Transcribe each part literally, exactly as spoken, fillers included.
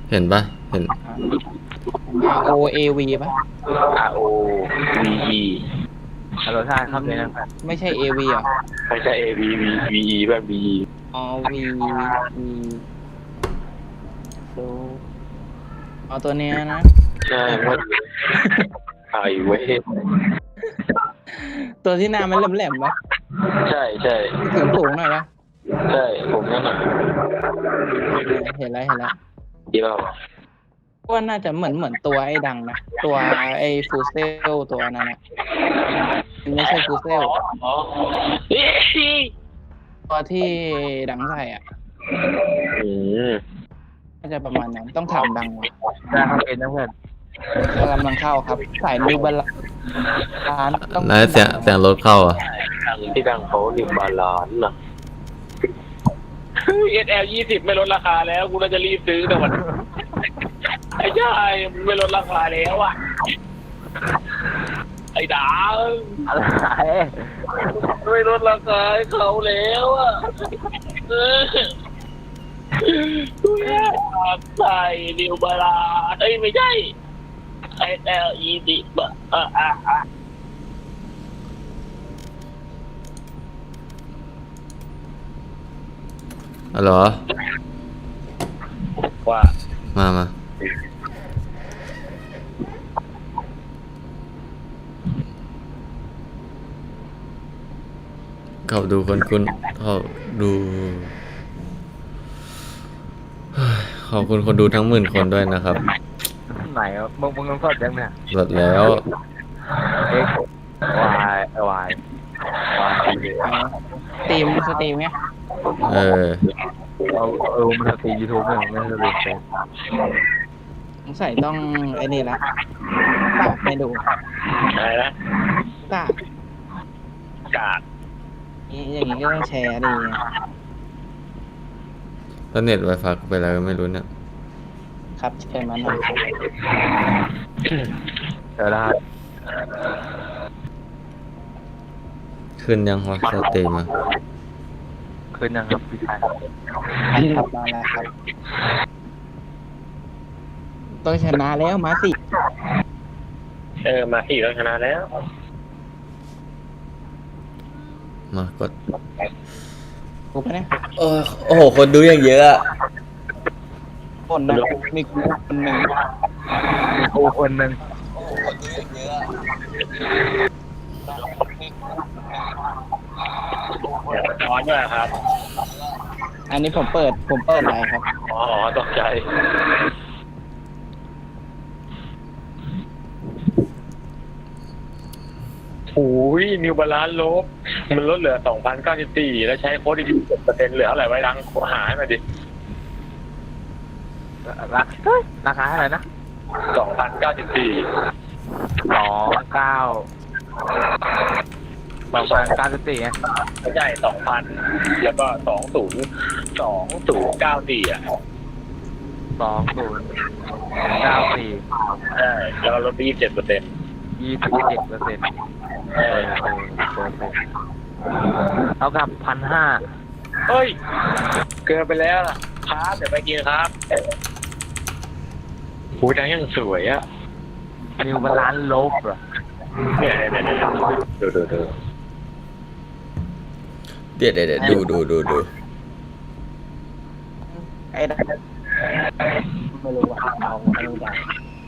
เห็นปะเห็น R O A V ปะ R O V E ฮัลโหลท่านครับเลยนะครับไม่ใช่ A V อ่ะไม่ใช่ A V V V E แบบ V E O V V ดูเอาตัวเนี้ยนะใช่ว่าไอ้เว้ยตัวที่หน้ามันแหลมๆปะใช่ใช่ถึงสูงหน่อยปะใช่ผมนั่นน่ะเห็นแล้วเห็นแล้วที่เราว่าน่าจะเหมือนเหมือนตัวไอ้ดังนะตัวไอ้ฟูเซลตัวนั้นนะไม่ใช่ฟูเซลอ๋อตัวที่ดังใส่อ่ะอืมน่าจะประมาณนั้นต้องถามดังว่ะได้ครับเป็นนะเพื่อนกำลังเข้าครับสายนิวบาลานต้องนายเสียงเสียงรถเข้าอ่ะที่ดังเขาหนึ่งบาลานซ์น่ะ เอส แอล ยี่สิบไม่ลดราคาแล้วกูน่าจะรีบซื้อแต่วันไอ้ชายไม่ลดราคาแล้วอ่ะไอ้ดาวอะไรไม่ลดราคาให้เขาแล้วอ่ะเออกูอยากใส่นิวบาลานซ์เอ้ยไม่ใช่ เอส แอล ยี่สิบอ่ะอ่ะอ่ะอ๋อเหรอว่ามามาเขาดูคนคุณเขาดูเฮ้ยขอบคุณคนดูทั้งหมื่นคนด้วยนะครับไหนอ่ะมึงมึงต้องสดยังเนี่ยหมดแล้วเอ็กวายวายวายสตรีมสตรีมไงเออเอาเออมันสตรีมยูทูบเนี่ยไม่สตรีมเฟซสงสัยต้องไอ้นี่ละตากไม่ดูอะไรนะตากกาดนี่อย่างนี้ก็ต้องแชร์ดีไงแล้วเน็ตไวไฟกูไปแล้วก็ไม่รู้เนี่ยครับเชิญมาหน่อยเดี๋ยวนะขึ้นยังวะสตรีมอ่ะคืนยังครับพี่ชายครับมาแล้วครับต้องชนะแล้วมาสิเออมาสี่แล้วชนะแล้วมากดกูไปะเนี่ยโอ้โอ้โห คนดูอย่างเยอะอะคนนะมีกูคนหนึ่งกูคนหนึ่ง ร้อนด้วยครับอันนี้ผมเปิดผมเปิดอะไรครับอ๋อตกใจโอ้ยนิวบาลานซ์ลบมันลดเหลือสองพันเก้าสิบสี่แล้วใช้โค้ดอีกสิบเปอร์เซ็นต์เหลือเท่าไหร่ไว้ดังหาให้มาดิราคาราคาเท่าไหร่นะสองพันเก้าสิบสี่สองเก้าสองพันเก้าสิบสี่ไงไม่ใช่สองพันแล้วก็สองศูนย์สองศูนย์เก้าสี่อ่ะสองศูนย์เก้าสี่ใช่แล้วก็ลดไปยี่สิบเจ็ดเปอร์เซ็นต์ยี่สิบเจ็ดเปอร์เซ็นต์เออเท่ากับพันห้าเฮ้ยเกินไปแล้วล่ะครับเดี๋ยวไปกินครับหูดังยังสวยอ่ะนิวบาลานซ์ลบเหรอเนี่ยเนี่ยเนี่ยดูดูดูเดี๋ยวเดี๋ยวเดี๋ยวดูดูดูดูไอ้ดังไม่รู้ว่าเอาไม่รู้ดัง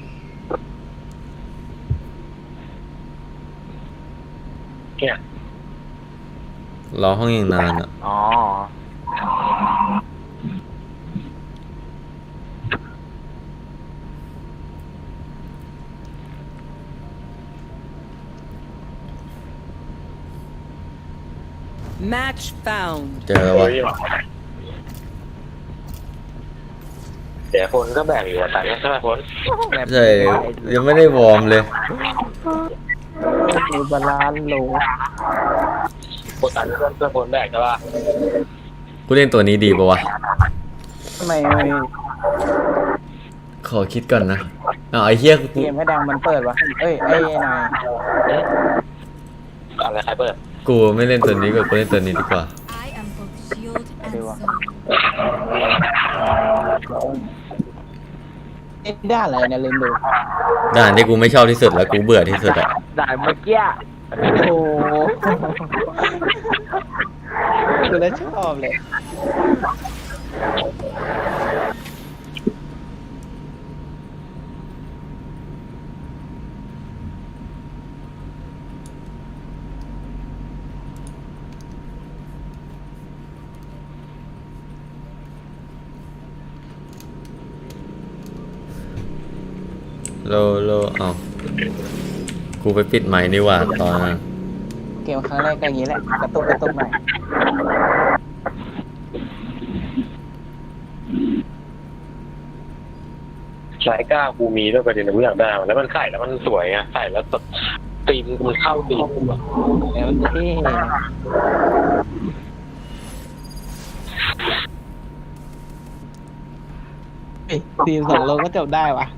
เนี่ยรอห้องยังนานอ่ะอ๋อ Match found. เจอแล้ววะเดี๋ยวคนก็แบ่งอยู่แต่ใช่ไหมคนใช่ยังไม่ได้วอร์มเลยมีบาลานซ์โลคนตันเพื่อนเพื่อนคนแบ่งใช่ป่ะกูเล่นตัวนี้ดีปะวะทำไมขอคิดก่อนนะเอาไอ้เหี้ยเกมให้ดังมันเปิดวะเอ้ยไอ้นายอะไรใครเปิดกูไม่เล่นตัวนี้กูกูเล่นตัวนี้ดีกว่า I am both shield and Aduh. sword. อ้ด้านอะไรเนี่ยลืมดูด่านที่กูไม่ชอบที่สุดแล้วกูเบื่อที่สุดอะด่านเมื่อกี้โอ้ดูแล้วชอบเลยโลโลเอากูไปปิดไมค์นี่หว่าตอนนั้นเกมครั้งแรกก็อย่างนี้แหละกระตุกกระตุกหน่อยสายก้ากูมีด้วยประเด็นกูอยากได้มันแล้วมันใส่แล้วมันสวยอ่ะใส่แล้วแบบตีมมันเข้าตีมกูอะแล้วมันเท่เฮ้ยทีมสองโลก็จบได้วะ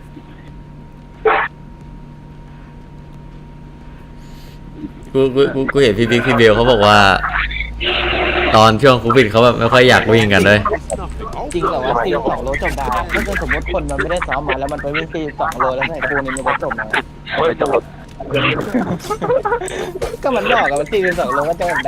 กูกูกูกูเห็นพี่บิ๊กพี่เบลเขาบอกว่า ตอนช่วงโควิดเขาแบบไม่ค่อยอยากวิ่งกันเลยจริงเหรอวะทีมสองโลจบได้ถ้าเกิดสมมติคนมันไม่ได้ซ้อมมาแล้วมันไปวิ่งทีมสองโลแล้วใส่คูนี่มันจะจบไหมเฮ้ยจบก็มันบอกกับมันทีมสองโลก็จบได้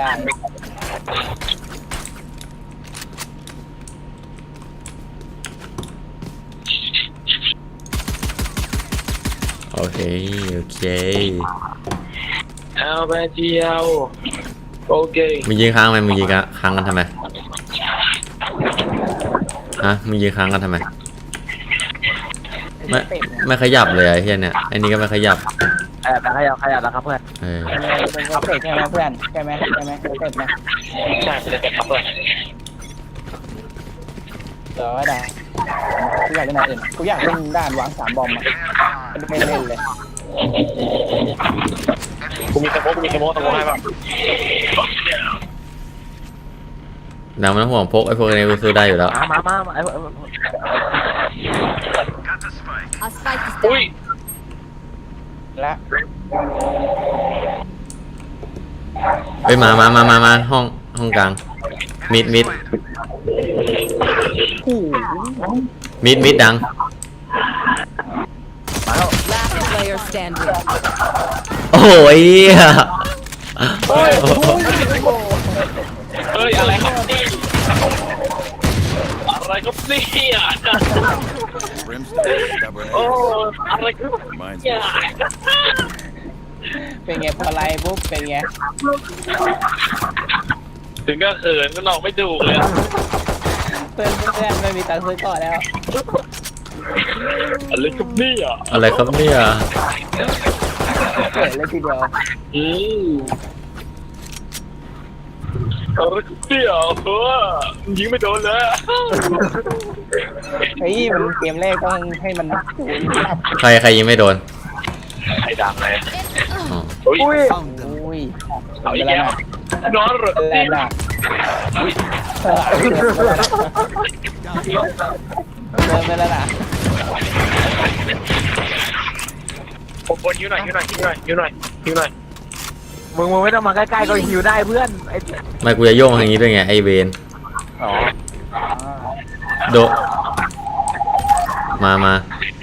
โอเคโอเคเอาไปเที่ยวโอเคมึงยิงค้างไหมมึงยิงค้างกันทำไมฮะมึงยิงค้างกันทำไมไม่ไม่ขยับเลยไอ้เฮียเนี่ยไอ้นี่ก็ไม่ขยับขยับขยับขยับแล้วครับเพื่อนเออเป็นโปรเจกต์ใช่ไหมเพื่อนใช่ไหมใช่ไหมโปรเจกต์นะใช่จะเป็นครับเพื่อนเดี๋ยวได้กูอยากเล่นอะไรอื่นกูอยากเล่นด้านวางสามบอมอ่ะไม่เล่นเลยกูมีสโมกกูมีสโมกสโมกให้ป่ะดังมันห่วงพกไอ้พวกนี้กูซื้อได้อยู่แล้วมามามาไอ้ Our spike is อุ้ย down. และเฮ้ยมามามามามาห้องห้องกลางมิดมิดคู่มิดมิดดัง Last player standing. โอ้ยเหี้ยเฮ้ยเฮ้ยอะไรครับนี่อะไรครับนี่อ่ะ Brimstone, stubborn โอ้ ass. อะไรครับ Reminds เนี่ me ย of something. เป็นไงพอไลน์ปุ๊บเป็นไงถึงก็เขินก็นอกไม่ถูกเลยเพื่อนเพื่อนไม่มีตังค์ซื้อก่อนแล้วอะไรครับนี่อ่ะอะไรครับเนี่ยเกิดเลยทีเดียวอืมอะไรครับเนี่ยเออยิงไม่โดนเลยเฮ้ยมันเกมแรกต้องให้มันศูนย์ครับใครใครยิงไม่โดนไอ้ดังเลยอ๋ออุ้ยอุ้ยเอาอีกแล้วนอนเหรอแรงดักเออเดินไปแล้วนะผมบนยิ้วหน่อยยิ้วหน่อยยิ้วหน่อยยิ้วหน่อยยิ้วหน่อยมึงมึงไม่ต้องมาใกล้ๆก็หิวได้เพื่อนไอ้ไม่กูจะโยงอย่างนี้ด้วยไงไอเวนอ๋อโดมามา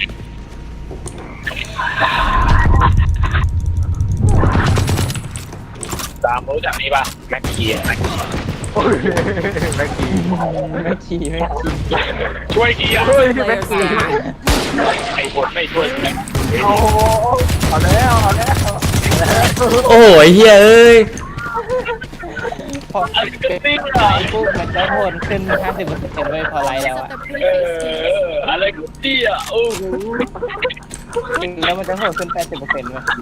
ตามรู้จักนี่ป่ะแม็กกี้แม็กกี้แม็กกี้ไม่ขี่ไม่ขี่ช่วยกี้อ่ะ Player standing. ไอ้คนไม่ช่วยโอ้โหเอาแล้วเอาแล้วโอ้ยเฮียเอ้ยพอเป็นไลน์ปุ๊บมันจะโหดขึ้นห้าสิบเปอร์เซ็นต์เลยพอไลน์แล้ว Of อ่ะ the เอ previous ออะไรกูเตี้ยโอ้โหจริงแล้วมันจะโหดขึ้นแปดสิบเปอร์เซ็นต์เลย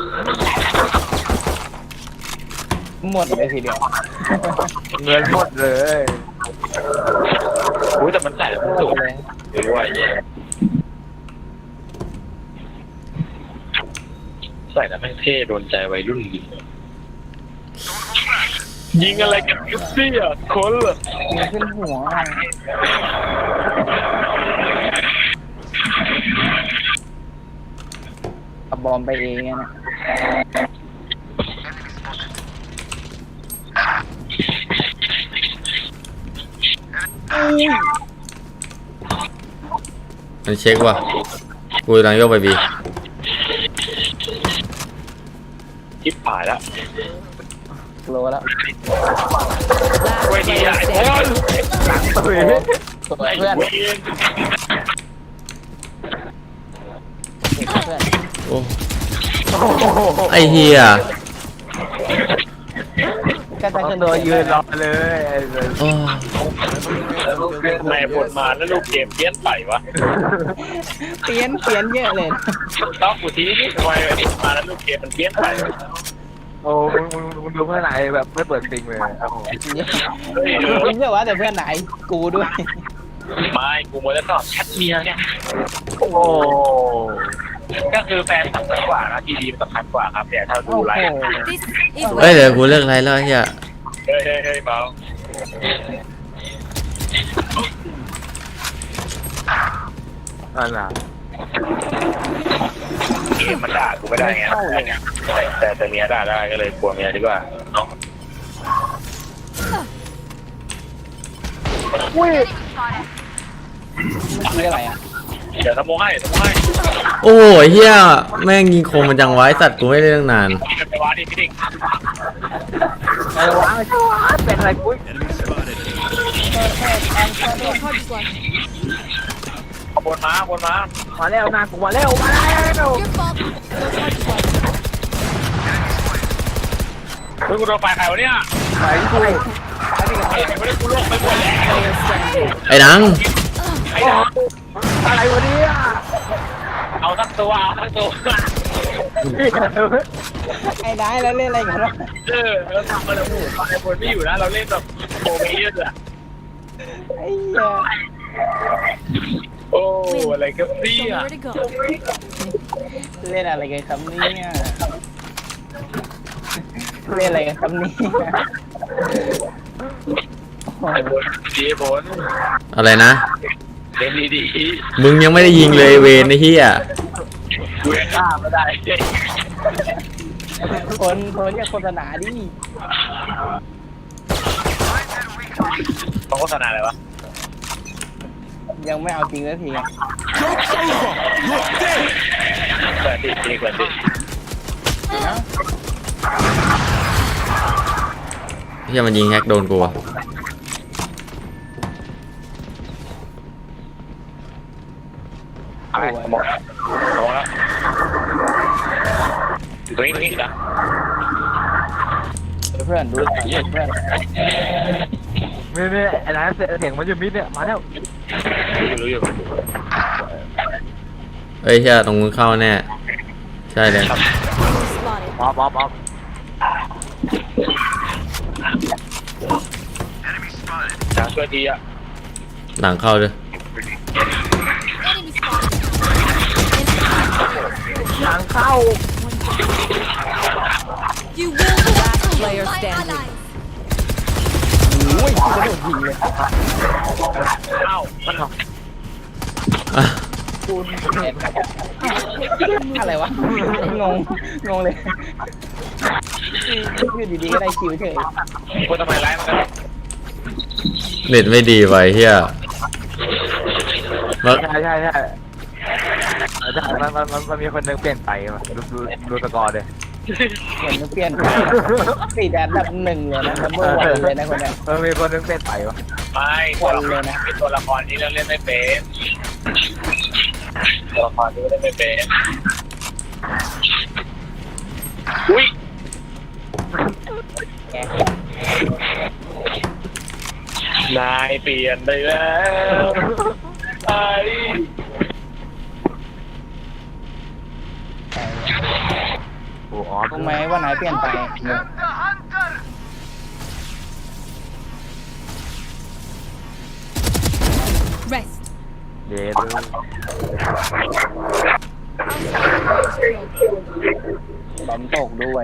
หมดเลยทีเดียวเงินหมดเลยอุ้ยแต่มันใส่แล้วมันสูงเลยด้วยใส่แล้วแม่งเท่โดนใจวัยรุ่นดียิงอะไรกันกูเตี้ยคนเหรอมีขึ้นหัวเอาบอมไปเองนะเมันเช็คว่ะกูกำลังโยกไปบีคิดผ่านแล้วโลแล้ว Last เว้ยดี player อ่ะไอ้บอ standing. ลสวยสวยเพื่อนเว้ยเพื่อนโอ้ไอเฮียก็จะขึ้นตัวยืนรอเลยไอ้เโอ้ทำไมผลมาแล้วลูกเกมเปี้ยนไปวะเปลี่ยนเปลี่ยนเยอะเลยต้องกูทีนี่ทำไมมาแล้วลูกเกมมันเปี้ยนไปวะโอ้มึงมึงมึงดูเพื่อนไหนแบบไม่เปิดซิงเลยโอ้โหมึงเยอะวะแต่เพื่อนไหนกูด้วยไม่กูมัวแต่ตอบแชทเมียเนี่ยโอ้โหก็คือแฟนสำคัญกว่านะทีดีมันสำคัญกว่าครับแต่ถ้าดูโอ้ไลโหฟ์ This is เอ้ย where เดี๋ยวกูเลิกไลฟ์แล้วไอ้เฮียเฮ้ยเฮ้ยเฮ้ยเบานั่นน่ะเกมมันด่ากูไม่ได้ไงแต่แต่เมียด่าได้ก็เลยกลัวเมียดีกว่าเนาะมันคืออะไรอ่ะเดี๋ยวทำโมให้ทำโมให้โอ้ยเฮียแม่งยิงคมมันจังไว้สัตว์กูไม่ได้ตั้งนานไปวาดิพี่ดิ่งไอ้วะไอ้เจ้าวะเป็นอะไรกุ้ย Enemy spotted. ขบวนม้าขบวนม้ามาแล้วนากูมาแล้วมาแล้ว your fault. Those hard ones. เฮ้ยกูโดนไฟใครวะเนี่ยไอ้กูไอ้ไม่ได้กูโลกไปหมดแล้ว Player standing. ไอ้ดังไอ้ด่าอะไรวะเนี่ยเอาทั้งตัวเอาทั้งตัวไอ้ได้แล้วเล่นอะไรกันวะเออเราทำมาแล้วไอ้คนไม่อยู่นะเราเล่นแบบโปรเมเยอร์อะไอ้เหี้ยโอ้อะไรกันเนี่ Show me ย where to go. เล่นอะไรกันครับเนี่ยเล่นอะไรกันครับเนี่ยโอ้ไอ้โหบนดีบนอะไรนะเล่นดีมึงยังไม่ได้ยิงเลยเวนไอ้เฮียๆกูยังฆ่าไม่ได้คนคนเนี่ยโฆษณาดิต้องโฆษณาอะไรวะยังไม่เอาจริงสักทีเปิดดิเปิดดิเฮียมันยิงแฮกโดนกูอะอะไรมองมองแล้วตรงนี้ตรงนี้นะเพื่อนดูเพื่อนเพื่อนนี่นี่ไอ้ร้านเสียงมันอยู่มิดเนี่ยมาแล้วรู้อยู่เฮ้ยเฮียตรงมึงเข้าแน่ใช่เลย Spotted. ออฟออฟออฟจะช่วยทีอ่ะหลังเข้าด้วย Enemy spotted. ทางเข้า You will. Last player standing. โอ้ยกระโดดยิงเลยเอ้ามันหรออ่ะคูณเห็นอะไรวะงงงงเลยอยู่ดีๆก็ได้คิวเฉยคนทำไมไล่มันเน็ตไม่ดีไว้เฮียมาใช่ใช่ใช่ใช่มันมันมันมันมีคนนึงเปลี่ยนไปดูดูดูสกอร์เลยเหมือนเปลี่ยนติดอันดับหนึ่งเลยนะนัมเบอร์วันเลยนะคนนี้มันมีคนนึงเปลี่ยนไปวะไม่ตัวละครเป็นตัวละครที่เราเล่นไม่เป็นตัวละครที่เล่นไม่เป็นอุ้ยนายเปลี่ยนไปแล้วไอ้โอ้ออฟรู้ไหมว่านายเปลี่ยนไป Rest. เย้เลยบอมตกด้วย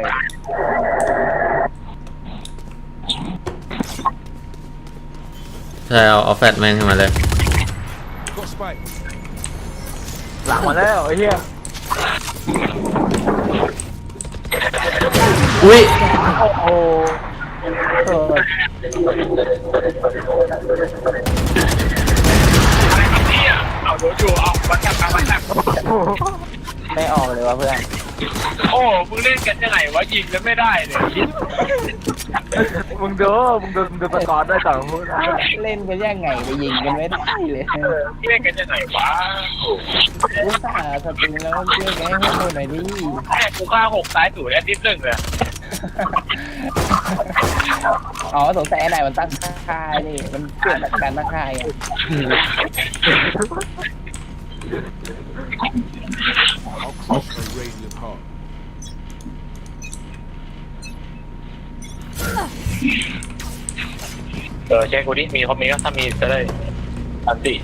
ใช่เอาเอาแฟตแม่งขึ้นมาเลย Got spike. หลังมาแล้วไอ้เหี้ยอุ้ยโอ้โหเออเอาโดนอยู่เอามันวะเพื่อนโอ้มึงเล่นกันยังไงวะยิงกันไม่ได้เลยมึงดูมึงดูมึงดูสกอร์ด้วยก่อนพูดนะเล่นกันยังไงไปยิงกันไม่ได้เลยเล่นกันยังไงวะอุตส่าห์สตรีมแล้วเชื่อแกให้ดูหน่อยดิแค่กูฆ่าหกซ้ายศูนย์แอดดิสหนึ่งเลยอ๋อสงสัยไอ้ไหนมันตั้งค่านี่มันเปลี่ยนจากการตั้งค่าไง How close are radiant heart? เออเช็คกูดิมีเขามีก็ถ้ามีจะได้อันติ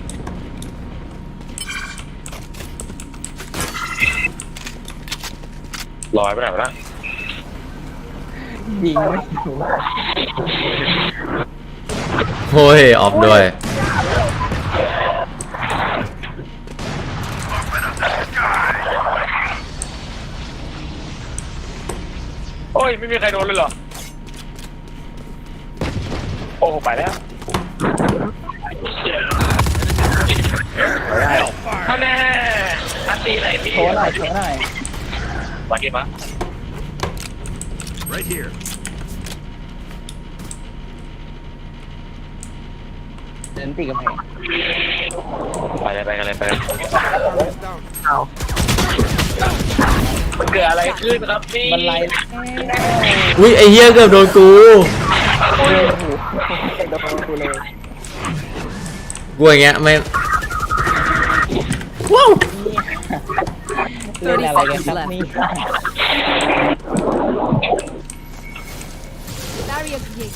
ลอยไปไหนวะนะยิงไม่ถูกโอ้ยออฟด้วยโอ้ยไม่มีใครโดนเลยเหรอโอ้ไปแล้วท่านแน่อันตีไหนพี่โชว์หน่อยโชว์หน่อยมากี่มา Right here. เดินตีกำแพงไปเลยไปกันเลยไปเลย Down. เอามันเกิดอะไรขึ้นครับพี่บันไลอุ้ยไอ้เหี้ยเกือบโดนกูโอ้โหโดนกูเลยกูอย่างเงี้ยไม่ว้าวเล่นอะไรกันครับนี่ Barrier created.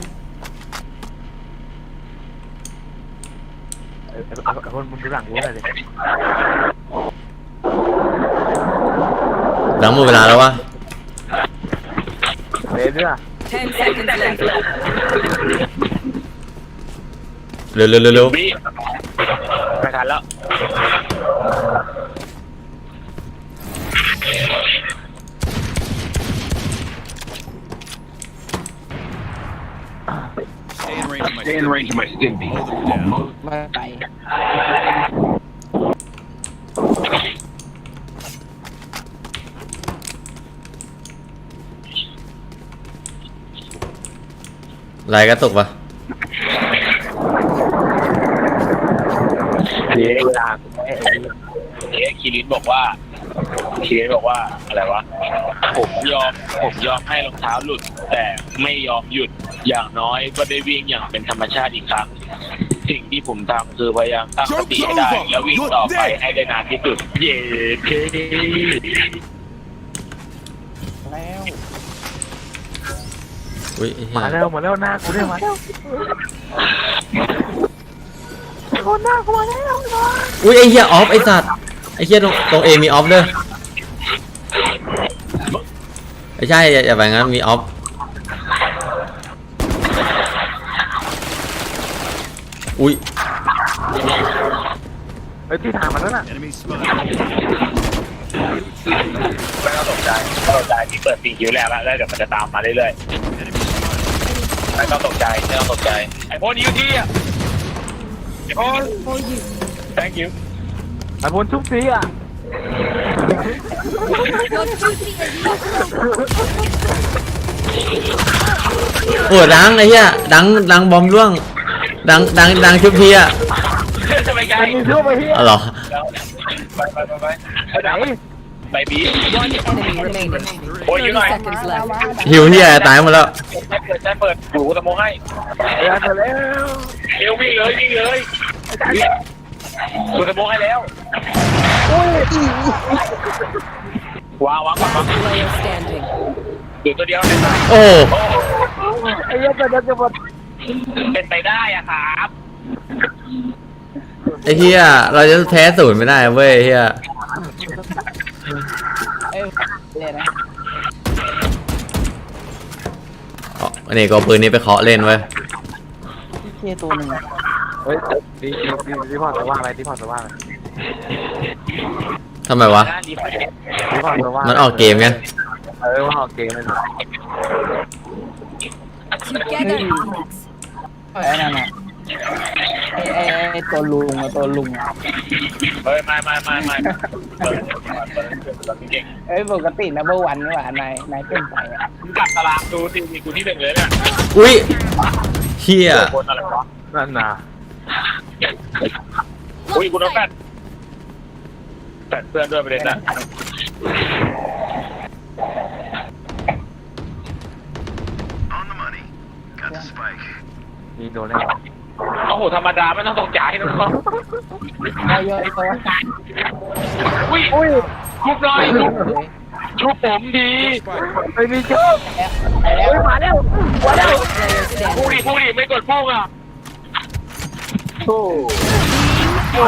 เออเอาเอาคนมึงดูหลังกูหน่อยดิหลังหมดเวลาแล้ววะเล่นด้วย Ten seconds left. เร็วเร็วเร็วเร็วพี่ไม่ทันแล้ว Stay in range of my Stay in range of my stim beam. Hold them down. มาไปลายกระตุกปะเอ๊ะเอ๊ะคีรินบอกว่าคีรินบอกว่าอะไรวะผมยอมผมยอมให้รองเท้าหลุด แต่ไม่ยอมหยุดอย่างน้อยก็ได้วิ่งอย่างเป็นธรรมชาติอีกครั้งสิ่งที่ผมทำคือพยายามตั้งสติให้ได้แล้ววิ่งต่อไปให้ได้นานที่สุดเย้เคแล้วอุ้ยไอ้เหี้ยมาแล้วมาแล้วหน้ากูเนี่ยมาแล้วคนหน้ากูมาแล้วอุ้ยไอ้เหี้ยออฟไอ้สัตว์ไอ้เหี้ยตรงตรงเอมีออฟด้วยไม่ใช่อย่าอย่าไปงั้นมีออฟอุ้ยเฮ้ยที่ทางมันแล้วน่ะ Enemy spotted. ไม่ต้องตกใจไม่ต้องตกใจที่เปิดปีคิวแรกแล้วแล้วเดี๋ยวมันจะตามมาเรื่อย Enemy spotted. ๆไม่ต้องตกใจไม่ต้องตกใจไอ้พวกนี้อยู่ที่อ่ะไอ้พวก For you. thank you ไอ้พลทุกทีอ่ะ Your duty is not over. โอ้ดังไอ้เหี้ยดังดังบอมร่วงดังดังดังชุบพีอะจะไปไกลมีเชื่อไปเฮียอ๋อเหรอไปไปไปไปไปไหนไปบี One enemy remaining. โอ้ยอยู่หน่อย Thirty seconds left. หิวเหี้ยตายหมดแล้วเปิดใจเปิดหูสมองให้เดี๋ยวเร็วเร็ววิ่งเลยวิ่งเลยหูสมองให้แล้ววางวางวางวาง Player standing. อยู่ตัวเดียวในสายโอ้ไอ้เหี้ยจะจะจะหมดเป็นไปได้อะครับไอ้เหี้ยเราจะแพ้ศูนย์ไม่ได้เว้ยไอ้เหี้ยเอ้ยเลยนะอ๋ออันนี้ก็เอาปืนนี้ไปเคาะเล่นเว้ยพี่เคตัวหนึ่งอะเฮ้ยดีดีดีดีพอจะว่าอะไรดีพอจะว่าอะไรทำไมวะดีไปดีพอจะว่ามันออกเกมไงเออว่าออกเกมเลย Together, Alex. ไอ้นั่นอะไอ้ไอ้ไอ้ตัวลุงอะตัวลุงอะเฮ้ยไม่ไม่ไม่ไม่เปิดเปิดเปิดเก่งเอ้ยปกตินัมเบอร์วันนี่หว่านายนายเป็นไปอะมึงกลับตารางดูสิมีกูที่หนึ่งเลยเนี่ยอุ้ยเฮียคนอะไรวะนั่นน่ะอุ้ยกูน้องแปดแปดเพื่อนด้วยประเด็นน่ะยิงโดนแล้วโอ้โหธรรมดาไม่ต้องตกใจนะน้องเอาเยอะตัวอุ้ยอุ้ยชุบหน่อยชุบชุบผมดีไม่มีชอบไปแล้วมาแล้วมาแล้ว Player พูด standing. ดิพูดดิไม่กดพูดอ่ะโอ้โห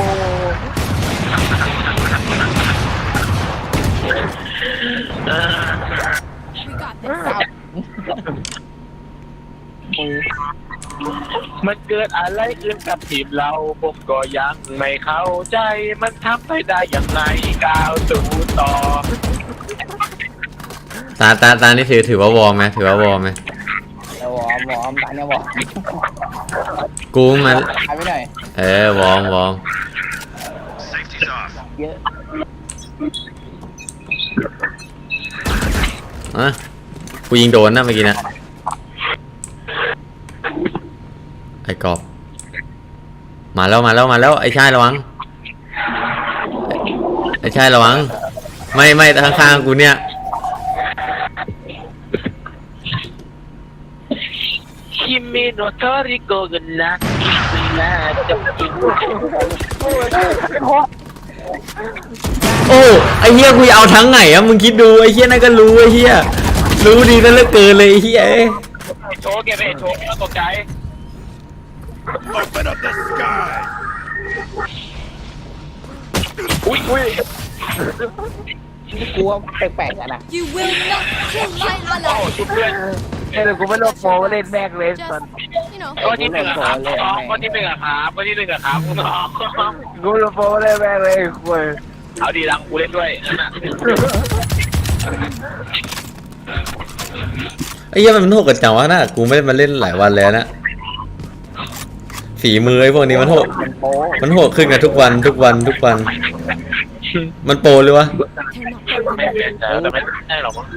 มันเกิดอะไรขึ้นกับทีมเราผมก็ยังไม่เข้าใจมันทำไปได้อย่างไรก้าวสู่ต่อตาตาตานี่ถือถือว่าวอร์มไหมถือว่าวอร์มไหมเดี๋ยววอร์มวอร์มตาเนี่ยวอร์มกูมันหายไปหน่อยเออวอร์มวอร์มเยอะอ่ะกูยิงโดนนะเมื่อกี้นะไอ้กอบมาแล้วมาแล้วมาแล้วไอ้ชายระวังไอ้ชายระวังไม่ไม่ข้างๆกูเนี่ยคิมิโนโตริโกกันนะนะจะกินโอ้ไอ้เฮียกูจะเอาทั้งไหนอะมึงคิดดูไอ้เฮียนั่นก็รู้ไอ้เฮียรู้ดีนั่นเหลือเกินเลยไอ้เฮียเอ้ยโชว์เก็บไปโชว์ไม่ต้องตกใจ Open up the sky. อุ้ยอุ้ยกลัวแปลกๆอะนะ You will not kill my โอ้ ally. ชุบเพื่อนเฮ้ยกูไม่ลบโปรเล่นแม่งเลยตอน You know. ก็ที่หนึ่งอะครับน้องก็ที่หนึ่งอะครับก็ที่หนึ่งอะครับน้องกูลบโปรเล่นแม่งเลยคุยเอาดีดังกูเล่นด้วยไอ้เฮียมันโหดกันจังวะนะกูไม่ได้มาเล่นหลายวันแล้วนะฝีมือไอ้พวกนี้มันโหดเป็นโป้มันโหดขึ้นกันทุกวันทุกวันทุกวัน มันโปรเลยวะแต่ไม่ใช่หรอกมั้ง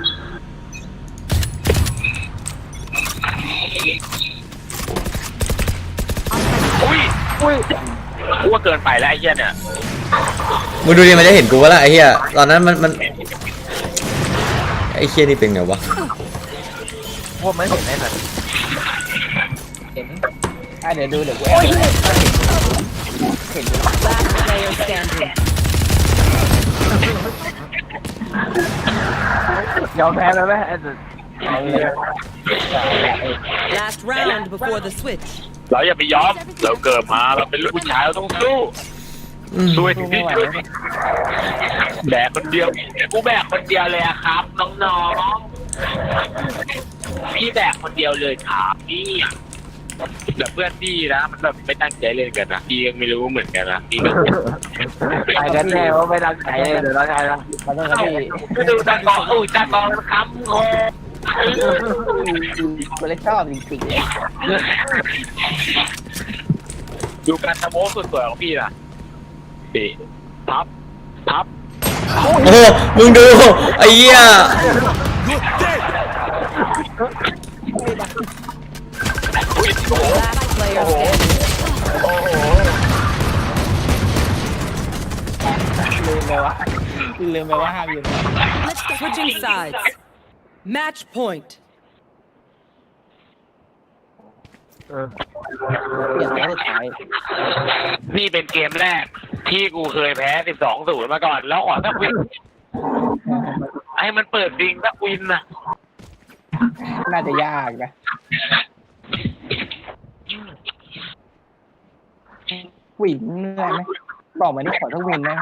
อุ้ยอุ้ยกูว่าเกินไปแล้วไอ้เหี้ยเนี่ยมึงดูดิมันจะเห็นกูวะล่ะไอ้เฮียตอนนั้นมันมันไอ้เฮียนี่เป็นไงวะพวกมันเห็นได้แบบเห็นอ่ะเดี๋ยวดูเดี๋ยวกูแอบเห็น Last player standing. ยอมแพ้แล้วไหมไอ้สุดเอาเลย Last round before the switch. เราอย่าไปยอมเราเกิดมาเราเป็นลูกผู้ชายเราต้องสู้อืมช่วยถึงที่ช่วยแบกคนเดียวกูแบกคนเดียวเลยอะครับน้องๆพี่แบกคนเดียวเลยครับพี่แต่เพื่อนพี่นะมันแบบไม่ตั้งใจเล่นกันนะพี่ยังไม่รู้เหมือนกันนะพี่แบบไปกันแน่ว่าไม่ตั้งใจเลยเดี๋ยวเราใช่ละขอโทษครับพี่ดูตากองอุ้ยตากองมันค้ำคอกูเลยชอบจริงๆเลยดูการทำโม้สุดสวยของพี่นะพี่พับพับโอ้โหมึงดูไอ้เหี้ยอุ้ยโอ้โห Last player standing. โอ้โหลืมไปว่าลืมไปว่าห้ามยืน Switching sides. Match point. เออเปลี่ยนแล้วสุดท้ายนี่เป็นเกมแรกที่กูเคยแพ้สิบสองศูนย์มาก่อนแล้วขอสักวินให้มันเปิดดิงสักวินนะน่าจะยากนะวินเหนื่อยไหมบอกมานี่ขอทั้งวินนะ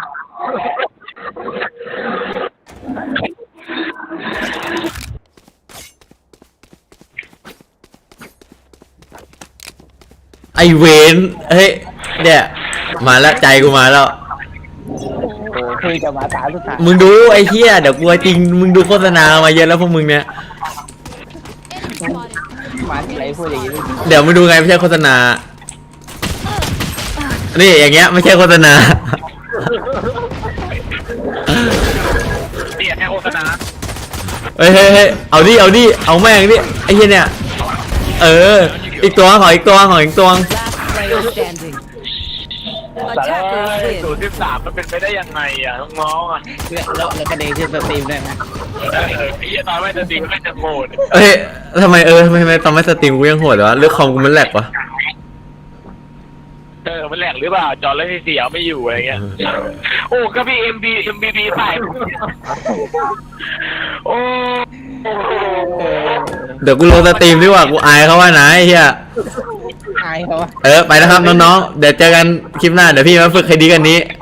ไอเวนเฮ้ยเนี่ยมาแล้วใจกูมาแล้วโอ้คุยจะมาตาสุดท้ายมึงดูไอ้เหี้ยเดี๋ยวกูจริงมึงดูโฆษณามาเยอะแล้วพวกมึงเนี่ยมาที่ไรพูดอย่างนี้เดี๋ยวมึงดูไงไม่ใช่โฆษณานี่อย่างเงี้ยไม่ใช่โฆษณาเนี่ยแค่โฆษณาเฮ้ยเฮ้ยเฮ้ยเอาดิเอาดิเอาแม่งดิไอ้เหี้ยเนี่ยเอออีกตัวขออีกตัวขออีกตัว Last player standing. แต่แล้ว Attackers ศูน win. ย์สิบสามมันเป็นไปได้ยังไงอ่ะน้องๆอ่ะแล้วแล้วแล้วกระเดงขึ้นสตรีมได้ไหมเออไอ้เหี้ยตอนไม่จะจริงไม่จะโกรธเฮ้ยทำไมเออทำไมทำไมตอนไม่สตรีมกูยังโหดวะเลือกคอมกูมันแหลกวะเออมันแหลกหรือเปล่าจอแล้วเสียไม่อยู่อะไรเงี้ยโอ้ก็พี่เอ็มบีเอ็มบีบีใส่โอ้เออเดี๋ยวกูลงสตรีมดีกว่ากูอายเขาว่านะไอ้เหี้ยอายเขาอะเออไปนะครับน้องๆเดี๋ยวเจอกันคลิปหน้าเดี๋ยวพี่มาฝึกให้ดีกันนี้